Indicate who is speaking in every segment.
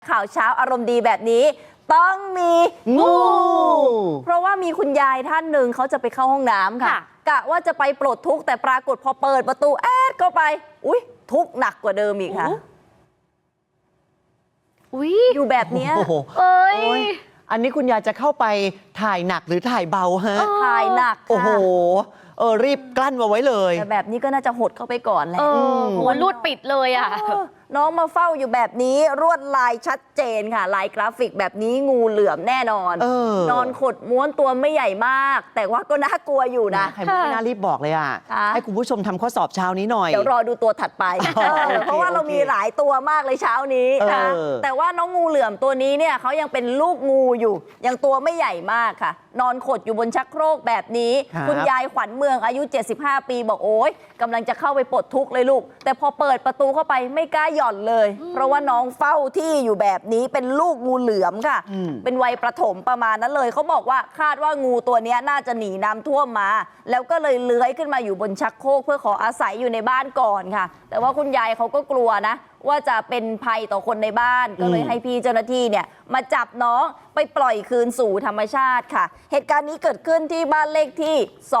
Speaker 1: ข่าวเช้าอารมณ์ดีแบบนี้ต้องมีงูเพราะว่ามีคุณยายท่านหนึ่งเขาจะไปเข้าห้องน้ำค่ะกะว่าจะไปปลดทุกข์แต่ปรากฏพอเปิดประตูเข้าไปอุ๊ยทุกข์หนักกว่าเดิมอีกค่ะอยู่แบบนี้
Speaker 2: อันนี้คุณยายจะเข้าไปถ่ายหนักหรือถ่ายเบาฮะ
Speaker 1: ถ่ายหนักค่ะโอ้โห
Speaker 2: รีบกลั้นมาไว้เลย
Speaker 1: แต่แบบนี้ก็น่าจะหดเข้าไปก่อนแหละ
Speaker 3: หัวรูดปิดเลยอ่ะ
Speaker 1: น้องมาเฝ้าอยู่แบบนี้รวดลายชัดเจนค่ะลายกราฟิกแบบนี้งูเหลือมแน่นอนนอนขดม้วนตัวไม่ใหญ่มากแต่ว่าก็น่ากลัวอยู่นะ
Speaker 2: ใครไม่น่ารีบบอกเลยอ่ะให้คุณผู้ชมทำข้อสอบเช้านี้หน่อย
Speaker 1: เดี๋ยวรอดูตัวถัดไปเพราะว่าเรามีหลายตัวมากเลยเช้านี้ค่ะแต่ว่าน้องงูเหลือมตัวนี้เนี่ยเขายังเป็นลูกงูอยู่ยังตัวไม่ใหญ่มากค่ะนอนขดอยู่บนชักโครกแบบนี้คุณยายขวัญเมืองอายุ75ปีบอกโอ๊ยกำลังจะเข้าไปปลดทุกข์เลยลูกแต่พอเปิดประตูเข้าไปไม่กล้าหย่อนเลยเพราะว่าน้องเฝ้าที่อยู่แบบนี้เป็นลูกงูเหลือมค่ะเป็นวัยประถมประมาณนั้นเลยเขาบอกว่าคาดว่างูตัวนี้น่าจะหนีน้ำท่วมมาแล้วก็เลยเลื้อยขึ้นมาอยู่บนชักโครกเพื่อขออาศัยอยู่ในบ้านก่อนค่ะแต่ว่าคุณยายเขาก็กลัวนะว่าจะเป็นภัยต่อคนในบ้านก็เลยให้พี่เจ้าหน้าที่เนี่ยมาจับน้องไปปล่อยคืนสู่ธรรมชาติค่ะเหตุการณ์นี้เกิดขึ้นที่บ้านเลขที่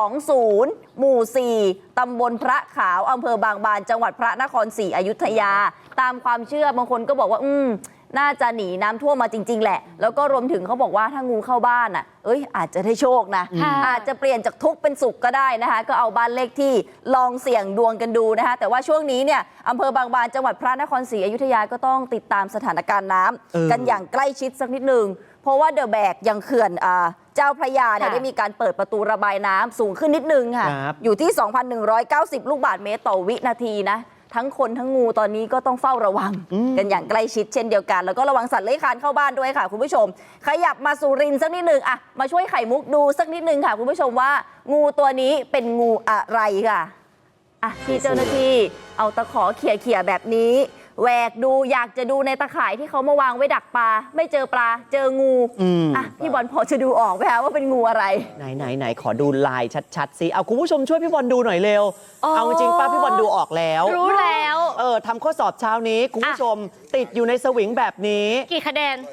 Speaker 1: 20หมู่4ตำบลพระขาวอำเภอบางบานจังหวัดพระนครศรีอยุธยาตามความเชื่อบางคนก็บอกว่าน่าจะหนีน้ำท่วมมาจริงๆแหละแล้วก็รวมถึงเขาบอกว่าถ้างูเข้าบ้านอาจจะได้โชคนะอาจจะเปลี่ยนจากทุกข์เป็นสุขก็ได้นะคะก็เอาบ้านเลขที่ลองเสี่ยงดวงกันดูนะคะแต่ว่าช่วงนี้เนี่ยอำเภอบางบานจังหวัดพระนครศรีอยุธยาก็ต้องติดตามสถานการณ์น้ำกันอย่างใกล้ชิดสักนิดนึงเพราะว่าเดอะแบกยังเขื่อนเจ้าพระยาเนี่ยได้มีการเปิดประตูระบายน้ำสูงขึ้นนิดนึงค่ะอยู่ที่ 2,190 ลูกบาศก์เมตรต่อวินาทีนะทั้งคนทั้งงูตอนนี้ก็ต้องเฝ้าระวังกันอย่างใกล้ชิดเช่นเดียวกันแล้วก็ระวังสัตว์เลื้อยคลานเข้าบ้านด้วยค่ะคุณผู้ชมขยับมาสุรินทร์สักนิดนึงมาช่วยไข่มุกดูสักนิดนึงค่ะคุณผู้ชมว่างูตัวนี้เป็นงูอะไรค่ะที่เจ้าหน้าที่เอาตะขอเขี่ยแบบนี้แหวกดูอยากจะดูในตะข่ายที่เขามาวางไว้ดักปลาไม่เจอปลาเจองูพี่บอลพอจะดูออกไหมคะว่าเป็นงูอะไร
Speaker 2: ไหนขอดูลายชัดๆสิเอาคุณผู้ชมช่วยพี่บอลดูหน่อยเร็วเอาจริงป้าพี่บอลดูออกแล้ว
Speaker 3: รู้แล้ว
Speaker 2: ทำข้อสอบเช้านี้คุณผู้ชมติดอยู่ในสวิงแบบนี้
Speaker 3: กี่คะแนน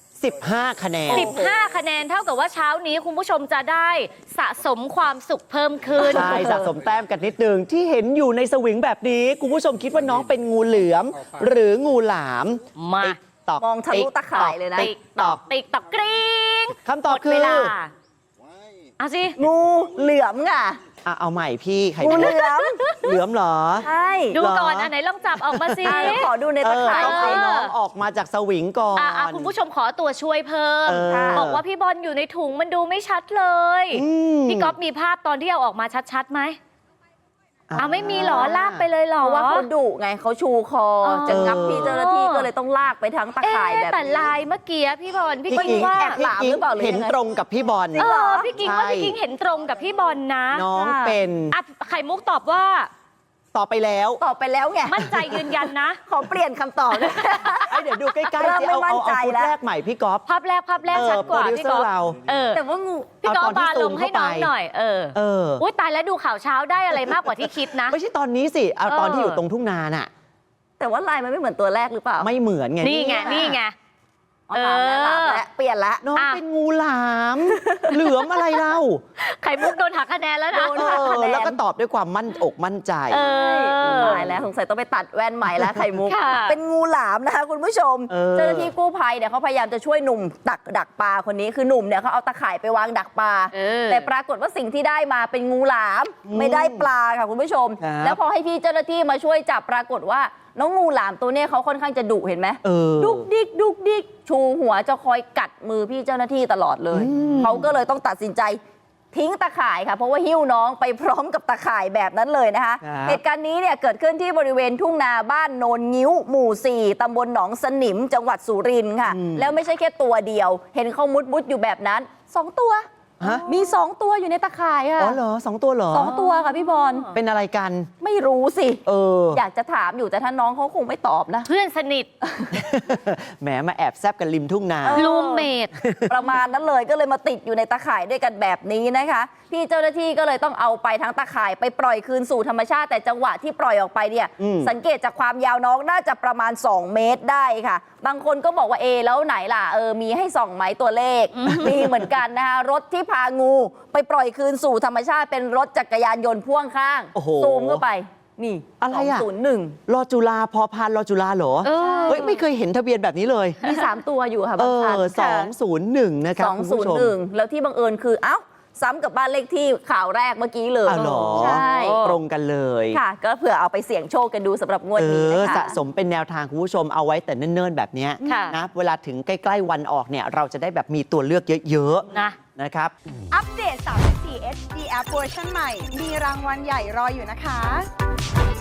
Speaker 2: 15 คะแนน
Speaker 3: 15 คะแนนเท่ากับว่าเช้านี้คุณผู้ชมจะได้สะสมความสุขเพิ่มขึ้น
Speaker 2: ใช่สะสมแต้มกันนิดนึงที่เห็นอยู่ในสวิงแบบนี้คุณผู้ชมคิดว่าน้องเป็นงูเหลือมหรืองูหลาม
Speaker 3: ม
Speaker 1: ามองทะลุตะข่ายเลยนะ
Speaker 3: ติ๊กตอกกริ๊ง
Speaker 2: คำตอบคือ
Speaker 3: เอาสิ
Speaker 1: งูเหลือมค่ะ
Speaker 2: เอาใหม่พี่ใคร
Speaker 1: งูเหลือม
Speaker 2: เหลือมเหรอ
Speaker 1: ใช่
Speaker 3: ดูก่อนไหนลองจับออกมาสิ
Speaker 1: ขอดูในตะข่าย
Speaker 2: เอาน้องออกมาจากสวิงก่อน
Speaker 3: คุณผู้ชมขอตัวช่วยเพิ่มบอกว่าพี่บอลอยู่ในถุงมันดูไม่ชัดเลยพี่ก๊อฟมีภาพตอนที่เอาออกมาชัดๆไหมไม่มีหรอลากไปเลยหรอ
Speaker 1: ว่าเขาดุไงเขาชูคอจะงับพี่เจ้าหน้าที่ก็เลยต้องลากไปทั้งตะข่ายแบบ
Speaker 3: แต่ลายเมื่อกี้พี่บอล
Speaker 1: พี่กิ๊งว่าแอบหลามหรือเปล่า
Speaker 2: เห็นตรงกับพี่บอล
Speaker 3: พี่กิ๊งว่าพี่กิ๊งเห็นตรงกับพี่บอลนะ
Speaker 2: น้องเป็น
Speaker 3: ไข่มุกตอบว่า
Speaker 2: ตอบไปแล้ว
Speaker 1: ไง
Speaker 3: มั่นใจยืนยันนะ
Speaker 1: ขอเปลี่ยนคำตอบ
Speaker 2: เดี๋ยวดูใกล้ๆสิเอาชุดแรกใหม่พี่ก๊อฟ
Speaker 3: ภาพแรกชัดกว่าพี่ก๊อฟ
Speaker 1: แต่ว่างู
Speaker 3: พี่ก๊อฟบาลงให้น้องหน่อยอุ้ยตายแล้วดูข่าวเช้าได้อะไรมากกว่าที่คิดนะ
Speaker 2: ไม่ใช่ตอนนี้สิเอาตอนที่อยู่ตรงทุ่งนาน่ะ
Speaker 1: แต่ว่าลายมันไม่เหมือนตัวแรกหรือเปล่า
Speaker 2: ไม่เหมือนไง
Speaker 3: นี่ไง
Speaker 1: เปลี่ยนละ
Speaker 2: น้องเป็นงูหลามเหลือมอะไรเล่า
Speaker 3: ไข่มุกโดนหักคะแนนแล้วนะ
Speaker 2: แล้วก็ตอบด้วยความมั่นใจ
Speaker 1: ตายแล้วสงสัยต้องไปตัดแว่นใหม่แล้วไข่มุกเป็นงูหลามนะคะคุณผู้ชมเจ้าหน้าที่กู้ภัยเนี่ยเขาพยายามจะช่วยหนุ่มดักปลาคนนี้คือหนุ่มเนี่ยเขาเอาตะข่ายไปวางดักปลาแต่ปรากฏว่าสิ่งที่ได้มาเป็นงูหลามไม่ได้ปลาค่ะคุณผู้ชมแล้วพอให้พี่เจ้าหน้าที่มาช่วยจับปรากฏว่าน้องงูหลามตัวนี้เขาค่อนข้างจะดุเห็นไหมดุกดิกชูหัวจะคอยกัดมือพี่เจ้าหน้าที่ตลอดเลยเขาก็เลยต้องตัดสินใจทิ้งตะข่ายค่ะเพราะว่าหิ้วน้องไปพร้อมกับตะข่ายแบบนั้นเลยนะคะเหตุการณ์นี้เนี่ยเกิดขึ้นที่บริเวณทุ่งนาบ้านโนนงิ้วหมู่4ตำบลหนองสนิมจังหวัดสุรินทร์ค่ะแล้วไม่ใช่แค่ตัวเดียวเห็นเขามุดอยู่แบบนั้น2 ตัว
Speaker 2: ฮะ
Speaker 1: มี 2 ตัวอยู่ในตะข่ายค่ะ
Speaker 2: อ๋อเหรอ2 ตัวเหรอ
Speaker 1: 2 ตัวค่ะพี่บอล
Speaker 2: เป็นอะไรกัน
Speaker 1: ไม่รู้สิ
Speaker 2: อ
Speaker 1: อยากจะถามอยู่แต่ถ้าน้องเขาคงไม่ตอบนะ
Speaker 3: เพื่อนสนิท
Speaker 2: แหมมาแอบแซบกันริมทุ่งนา
Speaker 3: รูมเมท
Speaker 1: ประมาณนั้นเลยก็เลยมาติดอยู่ในตะข่ายด้วยกันแบบนี้นะคะ พี่เจ้าหน้าที่ก็เลยต้องเอาไปทั้งตะข่ายไปปล่อยคืนสู่ธรรมชาติแต่จังหวะที่ปล่อยออกไปเนี่ย สังเกตจากความยาวน้องน่าจะประมาณ 2 เมตรได้ค่ะ บางคนก็บอกว่าแล้วไหนล่ะมีให้ส่องไหมตัวเลข มีเหมือนกันนะคะรถที่พางูไปปล่อยคืนสู่ธรรมชาติเป็นรถจักรยานยนต์พ่วงข้าง
Speaker 2: โอ้โห
Speaker 1: ซูมเข้าไปนี่
Speaker 2: อะไรอะ
Speaker 1: 201
Speaker 2: รอจุฬาพอพานรอจุฬาเหรอ เฮ้ยไม่เคยเห็นทะเบียนแบบนี้เลย
Speaker 1: มี 3 ตัวอยู่ค่ะบางคัน
Speaker 2: 201 นะครับคุณผู้ชม
Speaker 1: 201 แล้วที่บังเอิญคือซ้ำกับบ้านเลขที่ข่าวแรกเมื่อกี้เลย
Speaker 2: อ้าวเหรอ
Speaker 1: ใช่
Speaker 2: ตรงกันเลย
Speaker 1: ค่ะ ก็เผื่อเอาไปเสี่ยงโชคกันดูสำหรับงวดนี้นะคะ
Speaker 2: สะสมเป็นแนวทางคุณผู้ชมเอาไว้แต่เนิ่นๆแบบเนี้ย
Speaker 3: ค่ะ
Speaker 2: นะเวลาถึงใกล้ๆวันออกเนี่ยเราจะได้แบบมีตัวเลือกเยอะ
Speaker 3: นะ
Speaker 2: ๆนะครับ
Speaker 4: อัปเดต 34 HD App เวอร์ชันใหม่ มีรางวัลใหญ่รออยู่นะคะ